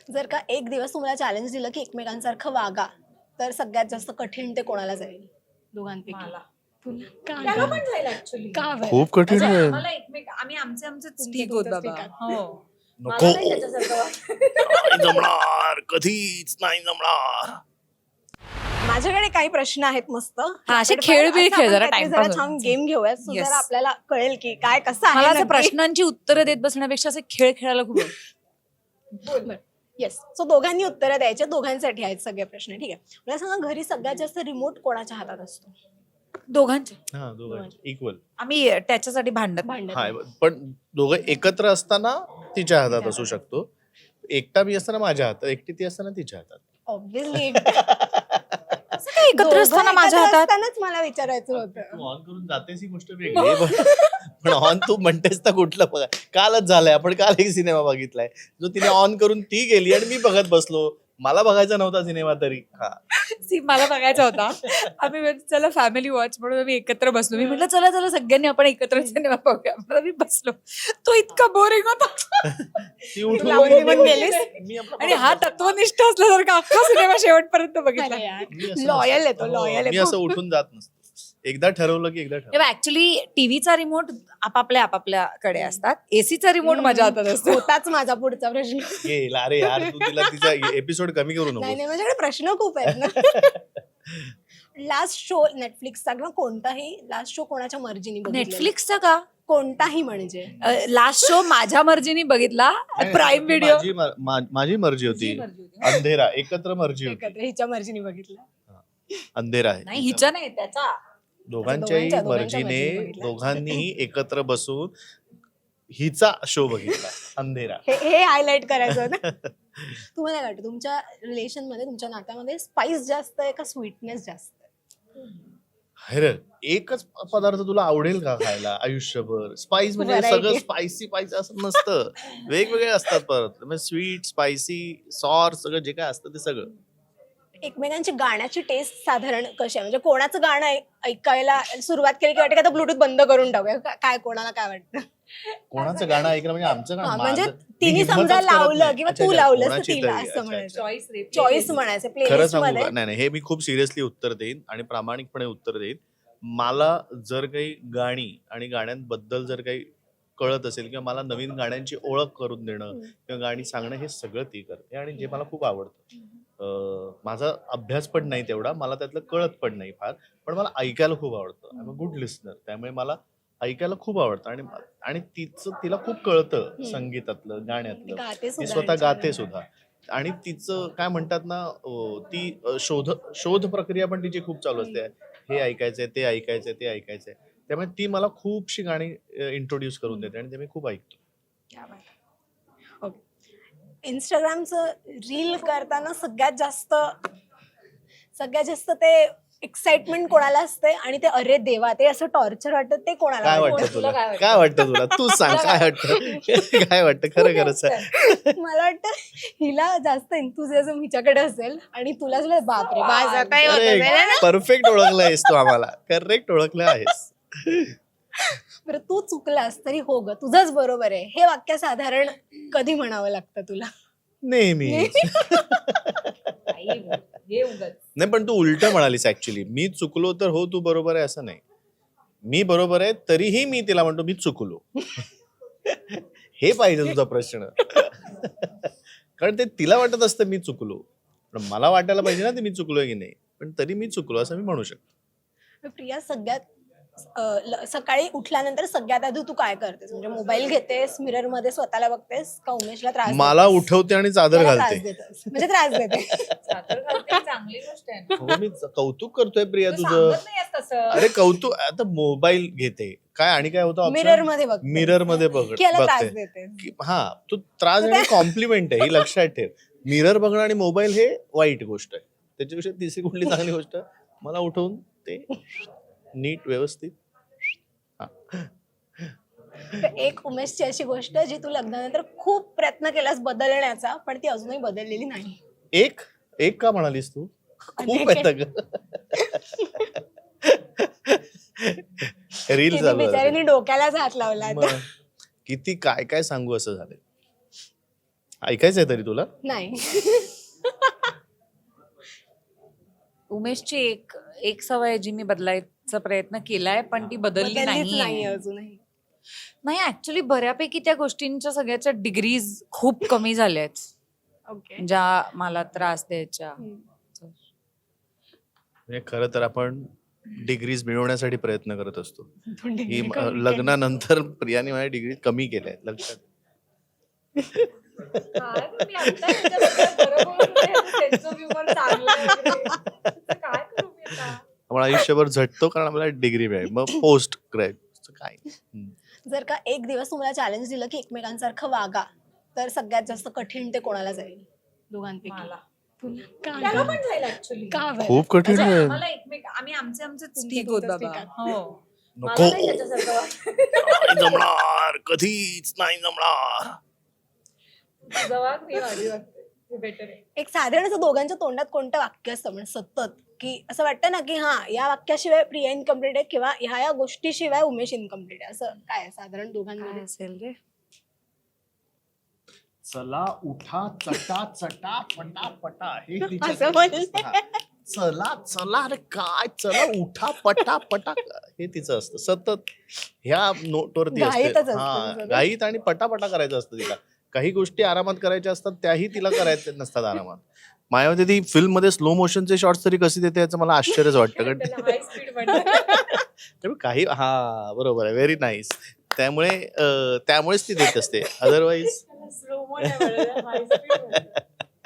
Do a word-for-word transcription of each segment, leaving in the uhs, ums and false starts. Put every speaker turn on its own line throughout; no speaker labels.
जर का एक दिवस तुम्हाला चॅलेंज दिलं की एकमेकांसारखं वागा, तर सगळ्यात जास्त कठीण ते कोणाला जाईल दोघांपैकी?
मला.
तुला का
त्याला
बरं?
पण जाईल ऍक्च्युअली.
का बरं?
खूप कठीण
म्हणजे
आहे.
आम्हाला एकमेक आम्ही आमचे आमचेच
तुमचं
ठीक होत
तुमचंच
बाबा.
ठीक आहात.
हो.
नको.
मला नाही त्याच्यासारखं वाटत.
नाही जमणार, कधीच नाही जमणार.
माझ्याकडे काही प्रश्न आहेत मस्त.
हा, असे
आपण
खेळ
पण
बिळ
असं
खेळ,
आपण
जरा
काहीतरी
टाइमपास
जरा छान
होईल.
गेम घेऊयात, so
Yes.
जरा आपल्याला कळेल की काय कसं आहे
मला असं
नक्की.
प्रश्नांची उत्तरं देत बसण्यापेक्षा असे खेळ खेळायला खूप आवडतं.
येस, सो दोघांनी उत्तरं द्यायचे. दोघांसाठी आहेत सगळे प्रश्न. ठीक आहे, मला सांगा, घरी सगळ्यात जास्त रिमोट कोणाच्या हातात असतो?
दोघांचे.
हा दोघांचे इक्वल.
आम्ही त्याच्यासाठी भांडत नाही.
भांडण
हा पण दोघं एकत्र असताना तिच्या हातात असू शकतो, एकटा मी असताना माझ्या हातात, एकटी ती असताना तिच्या हातात.
ऑब्व्हियसली.
असं काय एकत्र असताना माझ्या हातात?
मला विचारायचं होतं.
तू ऑन करून जातेस ही गोष्ट वेगळी आहे, पण- पण ऑन तू म्हणतेस ना कुठलं बघा, कालच झालंय, आपण काल एक सिनेमा बघितलाय जो तिने ऑन करून ती गेली आणि मी बघत बसलो. मला बघायचा नव्हता सिनेमा तरी. हा
सी मला बघायचा होता. आम्ही म्हणजे चला फॅमिली वॉच म्हणून आम्ही एकत्र बसलो. मी म्हटलं चला चला सगळ्यांनी आपण एकत्र सिनेमा बघूया. म्हणून मी बसलो. तो इतका बोरिंग होता.
ती उठून
लावणी पण गेलीस?
मी आपलं
आणि हा तत्वनिष्ठ असल्यासारखा अख्खा सिनेमा शेवटपर्यंत बघितला.
मी असं
लॉयल
नसतो.
येतो, लॉयल
मी असं उठून जात नसतो. एकदा ठरवलं की एकदा ठरवलं.
तेव्हा ऍक्च्युली टीव्हीचा रिमोट आपापल्या आपापल्याकडे असतात. एसीचा रिमोट माझ्या हातात असतो.
होताच माझा पुढचा प्रश्न.
गेला अरे यार, तू तिला तिचा एपिसोड कमी करू
नाही
नको.
नाही, माझ्याकडे प्रश्न खूप आहेत ना. लास्ट शो नेटफ्लिक्सचा किंवा कोणताही लास्ट शो कोणाच्या मर्जीने बघितलेला?
नेटफ्लिक्सचा का
कोणताही म्हणजे.
लास्ट शो माझ्या मर्जीने बघितला. प्राईम व्हिडिओ
माझी मर- मा- माझी मर्जी होती. अंधेरा एकत्र मर्जी होती.
एकत्र हिच्या मर्जीने बघितला.
अंधेरा आहे
नाही हिच्या नाही त्याचा.
दोघांच्याही
दोघांच्या- दोघांच्या
मर्जीने
मर्जीने बघितला.
दोघांनीही एकत्र बसून हिचा शो बघितला अंधेरा.
हे हे हायलाइट करायचं होतं. तुम्हाला काय वाटतं, तुमच्या रिलेशन मध्ये, तुमच्या नात्यामध्ये स्पाइस जास्त आहे का स्वीटनेस जास्त आहे?
अरे एकच पदार्थ तुला आवडेल का खायला आयुष्यभर? स्पाइस म्हणजे
Variety.
सगळं स्पायसी पाहिजे असं नसतं. वेगवेगळे असतात परत, म्हणजे स्वीट, स्पायसी, सॉर, सगळं जे काय असतं ते सगळं.
एकमेकांची गाण्याची टेस्ट साधारण कशी आहे? म्हणजे कोणाचं गाणं ऐ- ऐकायला सुरुवात केली की वाटतं का आता ब्लूटूथ बंद करून टाकूया? का- काय कोणाला काय वाटतं?
कोणाचं गाणं ऐकलं म्हणजे आमचं
हा,
गाणं
म्हणजे
माझं- मी
तिने
हिम्मतच
समजा
करत
लावलं
नाही.
किंवा
अच्छा,
तू
अच्छा,
लावलं
कोणाची
तिला
तरी,
असं
अच्छा,
म्हणायचं.
चॉईस
चॉईस म्हणायचं
खरं
प्लेलिस्ट
सांगू
मध्ये.
का? नाही नाही, हे मी खूप सिरियसली उत्तर देईन आणि प्रामाणिकपणे उत्तर देईन. मला जर काही गाणी आणि गाण्यांबद्दल जर काही कळत असेल किंवा मला नवीन गाण्यांची ओळख करून देणं किंवा गाणी सांगणं, हे सगळं ती करते आणि जे मला खूप आवडतं. अं, माझा अभ्यास पण नाही तेवढा, मला त्यातलं कळत पण नाही फार, पण मला ऐकायला खूप आवडतं. I am a good listener, त्यामुळे मला ऐकायला खूप आवडतं आणि आणि तिचं तिला खूप कळतं संगीतातलं, गाण्यातलं.
गाते
ती
सुद्धा
स्वतः
आणि
गाते
छान.
सुद्धा आणि तिचं काय म्हणतात ना, अं, ती अं, शोध शोध प्रक्रिया पण तिची खूप चालू असते. हे ऐकायचंय, ते ऐकायचंय, ते ऐकायचंय. त्यामुळे ती मला खूपशी गाणी इंट्रोड्यूस करून देते आणि ते मी खूप ऐकतो.
क्या बात आहे. ओके. इंस्टाग्रामचं रील करताना सगळ्यात जास्त सगळ्यात जास्त ते एक्साइटमेंट कोणाला असते आणि ते अरे देवा ते असं टॉर्चर वाटतं ते कोणाला
काय
वाटतं?
वाटतं
तुला
तुला?
काय वाटतं?
काय वाटतं तुला? तू सांग काय वाटतं? काय वाटतं खरं खरं सांग.
मला वाटतं हिला जास्त एन्थुझियाझम हिच्याकडे असेल आणि तुला तुला बापरे बास आता हे होत
अरे
असेल ना?
परफेक्ट ओळखलं आहेस तू आम्हाला, करेक्ट ओळखलं आहेस.
बरं, तू चुकलास तरी हो ग तुझंच बरोबर आहे, हे वाक्य साधारण कधी म्हणावं लागतं तुला?
नेहमी. नाही पण तू उलट म्हणालीस ऍक्च्युली. मी चुकलो तर हो तू बरोबर आहे असं नाही. मी बरोबर आहे तरीही मी तिला म्हणतो मी चुकलो. हे पाहिजे तुझा प्रश्न. कारण ते तिला वाटत असतं मी चुकलो, पण मला वाटायला पाहिजे ना ते मी चुकलोय की नाही, पण तरी मी चुकलो असं मी म्हणू शकतो.
प्रिया, सगळ्यात अं, ल- सकाळी उठल्यानंतर सगळ्यात आधी तू काय करतेस? म्हणजे मोबाईल घेतेस, मिरर मध्ये स्वतःला बघतेस का उमेशला त्रास
मला
देतेस?
उठवते आणि चादर
मला
घालते.
त्रास देतेस. म्हणजे त्रास देते.
चांगली गोष्ट आहे.
हो, मी कौतुक करतोय प्रिया
तू
तुझं.
सांगत नाहीयेस तसं.
अरे कौतुक, आता मोबाईल घेते काय आणि काय होतं
मिरर मध्ये बघ
मिरर मध्ये बघ
की याला त्रास
बघते
देते.
की हा तू त्रास आणि कॉम्प्लिमेंट आहे ही लक्षात ठेव. मिरर बघणं आणि मोबाईल हे वाईट गोष्ट आहे. त्याच्यापेक्षा तिसरी कुठली चांगली गोष्ट, मला उठवून ते नीट व्यवस्थित.
तर एक उमेशची अशी गोष्ट जी तू लग्नानंतर खूप प्रयत्न केलास बदलण्याचा पण ती अजूनही बदललेली नाही.
एक एक का म्हणालीस तू? खूप आहेत ग. रील
तिने
चालू आहे.
बिचारीने डोक्यालाच हात लावला आता.
मग किती काय काय सांगू असं झालंय. ऐकायचंय तरी तुला?
नाही.
उमेशची एक एक सवय जी मी बदलायचा प्रयत्न केलाय पण ती बदलली
बदललीच
नाही
नाही अजूनही.
नाही ऍक्च्युली बऱ्यापैकी त्या गोष्टींच्या सगळ्याच्या डिग्रीज खूप कमी झाल्या आहेत
ओके.
ज्या मला त्रास द्यायच्या.
म्हणजे खरं तर आपण डिग्रीज मिळवण्यासाठी प्रयत्न करत असतो. ही म- लग्नानंतर प्रियाने माझ्या डिग्री कमी केल्या लक्षात. आपण आयुष्यभर झटतो कारण आपल्याला डिग्री मिळेल मग पोस्ट ग्रॅज्युएट काय. हम्म.
जर का एक दिवस तुम्हाला चॅलेंज दिलं की एकमेकांसारखं वागा, तर सगळ्यात जास्त कठीण ते कोणाला जाईल दोघांपैकी?
मला.
तुला का
त्याला
गं?
पण जाईल ऍक्च्युली.
का बरं?
खूप कठीण
म्हणजे
आहे.
आम्हाला एकमेक आम्ही आमचे आमचेच
तुमचे
ठीक होत
तुमचेच
बाबा.
ठीक आहात.
हो.
नको
मला नाही त्याच्यासारखं वाटत.
नाही जमणार कधीच नाही जमणार.
तुझं वाग, मी माझी वागते. ते better आहे.
एक साधारण असं दोघांच्या तोंडात कोणतं वाक्य असतं म्हणजे सतत, की असं वाटतं ना की हा या वाक्याशिवाय प्रिया इनकम्प्लीट आहे किंवा ह्या या गोष्टीशिवाय उमेश इनकम्प्लीट आहे, असं काय आहे साधारण
काय
दोघांमध्ये?
असेल रे?
चला उठा चटा चटा पटा पटा हे
असं बोलले.
चला चला अरे काय चला उठा पटा पटा हे तिचं असतं सतत ह्या नोटवरती
घाईतच
असते.
असते
हा
सगळं.
घाईत आणि पटापटा करायचं असतं तिला. काही गोष्टी आरामात करायच्या असतात त्याही तिला करायच्या नसतात आरामात. माझ्यामध्ये ती फिल्म मध्ये स्लो मोशनचे शॉर्ट्स तरी कशी देते याचं मला आश्चर्यच वाटतं कारण
त्याला high speed म्हणतात.
त्यामुळे काही हा बरोबर आहे व्हेरी नाईस. त्यामुळे अं, त्यामुळेच ती देत असते अदरवाईज
त्याला slow mo नाही म्हणत, high speed म्हणतात.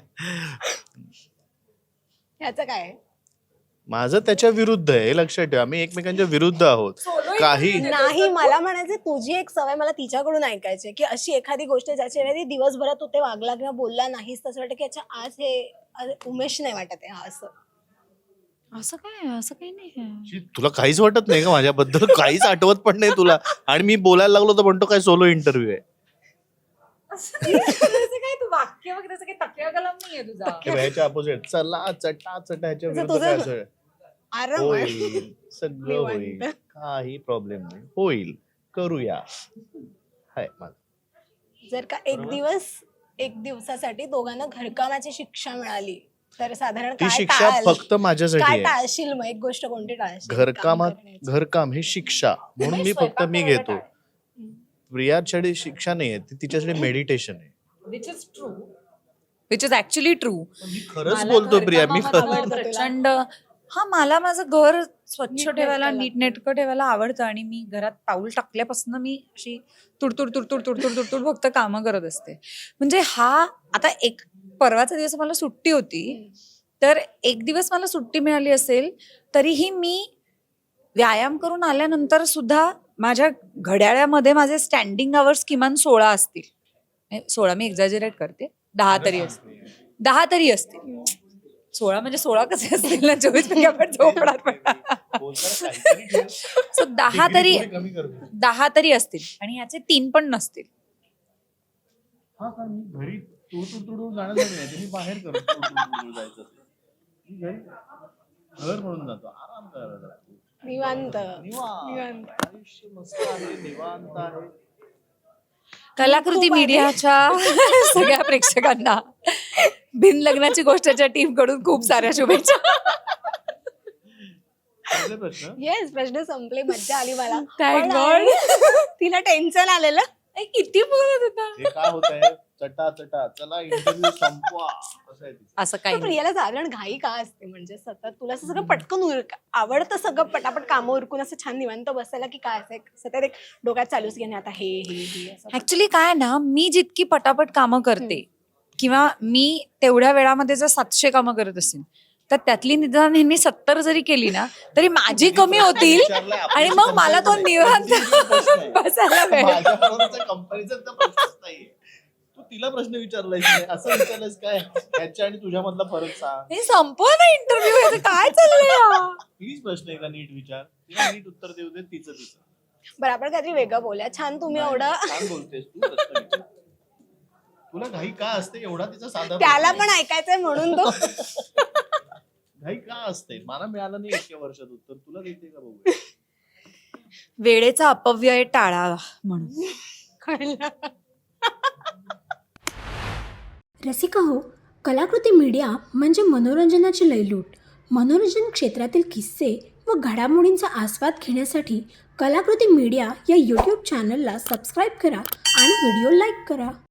ह्याचं काय आहे?
माझं त्याच्या विरुद्ध आहे हे लक्षात ठेवा. आम्ही एकमेकांच्या विरुद्ध आहोत.
Solo
काही
interview
नाही, मला म्हणायचं तुझी एक सवय मला तिच्याकडून ऐकायची आहे, की अशी एखादी गोष्ट ज्याच्या वेळी दिवसभरात तू ते वागला किंवा बोलला नाहीस तसं वाटतं की अच्छा आज हे आज उमेश नाही वाटत आहे हा, असं.
असं काय असं काही नाही आहे.
शी, तुला काहीच वाटत नाही का माझ्याबद्दल? काहीच आठवत पण नाही तुला आणि मी बोलायला लागलो तर म्हणतो काय सोलो इंटरव्ह्यू आहे.
असं नाही, त्याचं काय तू वाक्य वगैरे त्याचं काही तकिया कलम नाहीये तुझा.
हे बघ, ह्याच्या अपोजिट चला चटा चटा ह्याच्या
तुझं-
विरुद्ध काय
तुझं-
असं
आराम आहे.
होईल सगळं होईल
निवांत.
काही प्रॉब्लेम नाही होईल करूया हाय माझं.
जर का एक दिवस एक दिवसासाठी दोघांना घरकामाची शिक्षा मिळाली तर साधारण
ती
काय
शिक्षा
टाळाल?
फक्त माझ्यासाठी
काय
आहे.
टाळशील मग? एक गोष्ट कोणती टाळशील?
घरकामात
काम करण्याची.
घरकाम हे शिक्षा म्हणून मी फक्त मी घेतो. प्रियासाठी शिक्षा नाहीये ती तिच्यासाठी मेडिटेशन आहे.
Which is true. Which is actually true.
मी खरंच
मला
बोलतो प्रिया मी
घरकामामध्ये
खरं-
आवडतं तुला?
प्रचंड हा मला माझं घर स्वच्छ
नीटनेटकं
ठेवायला
लागतं.
नीटनेटकं ठेवायला आवडतं आणि मी घरात पाऊल टाकल्यापासून मी अशी तुडतुड तुडतुड तुडतुड तुडतुड फक्त कामं करत असते. म्हणजे हा आता एक परवाचा दिवस मला सुट्टी होती तर एक दिवस मला सुट्टी मिळाली असेल तरीही मी व्यायाम करून आल्यानंतर सुद्धा माझ्या घड्याळ्यामध्ये माझे स्टँडिंग आवर्स किमान सोळा असतील. म्हणजे सोळा मी एक्झॅजरेट करते, दहा तरी असतील दहा तरी असतील सोळा म्हणजे सोळा कसे असतील ना चोवीस पैकी आपण झोपणार पण
बोलताना काहीतरी ठेव.
सो दहा तरी
डिग्री थोडी कमी करतो.
दहा तरी असतील आणि ह्याचे तीन पण नसतील.
हा का मी घरी तुडू तुडू जाण्यासाठी नाही तुम्ही बाहेर करतो तुडू तुडू जायचं असेल. मी घरी घर म्हणून जातो आराम करायला जातो.
निवांत
निवांत
निवांत.
आयुष्य मस्त आहे निवांत आहे.
कलाकृती
खूप आहे.
मीडियाच्या सगळ्या प्रेक्षकांना बिन लग्नाची गोष्टच्या टीम कडून खूप साऱ्या शुभेच्छा.
पहिले प्रश्न
येस, प्रश्न संपले, मज्जा आली मला.
Thank
पण
God.
तिला टेन्शन आलेलं.
ए, किती बोलत होता
हे काय होत आहे चटा चटा चला इंटरव्ह्यू संपवा असं आहे तिचं.
असं
तर
काही नाही.
प्रियाला साधारण घाई का असते? म्हणजे सतत तुला असं सगळं पटकन उरक आवडतं सगळं पटापट कामं उरकून असं छान निवांत बसायला, की काय असं सतत एक डोक्यात चालूच की नाही आता हे हे हे असं?
ऍक्च्युली काय ना मी जितकी पटापट कामं करते किंवा मी तेवढ्या वेळामध्ये जर सातशे कामं करत असेल तर त्यातली निदान ह्यांनी सत्तर जरी केली ना तरी माझी कमी होतील
विचारलंय, आपल्याशी
आणि मग मला तो
comparison नाही.
निवांत
तुझी प्रश्न आहे.
बसायला वेळ.
माझ्याबरोबरचा comparison चा प्रश्नच नाहीये. तू तिला प्रश्न विचारलायस नाही असं विचारलंयस काय ह्याच्या आणि तुझ्यामधला फरक सांग.
हे संपव ना इंटरव्ह्यू काय चाललंय.
प्लीज प्रश्न आहे का नीट विचार तिला नीट उत्तर देऊ दे तिचं तिचं.
बरं, आपण काहीतरी वेगळं बोलूया. छान तुम्ही
नाही,
एवढं
छान बोलतेस तू प्रश्न विचार. तुला घाई का असते एवढा तिचा साधा
त्याला
प्रश्न
पण
आहे.
ऐकायचंय म्हणून तो
घाई का असते मला मिळालं नाही इतक्या वर्षात उत्तर तुला देते का बघू.
वेळेचा अपव्यय टाळावा म्हणून.
कळलं.
रसिका हो, कलाकृती मीडिया म्हणजे मनोरंजनाची लयलूट. मनोरंजन क्षेत्रातील किस्से व घडामोडींचा आस्वाद घेण्यासाठी कलाकृती मीडिया या यूट्यूब चॅनलला सबस्क्राईब करा आणि व्हिडिओ लाईक करा.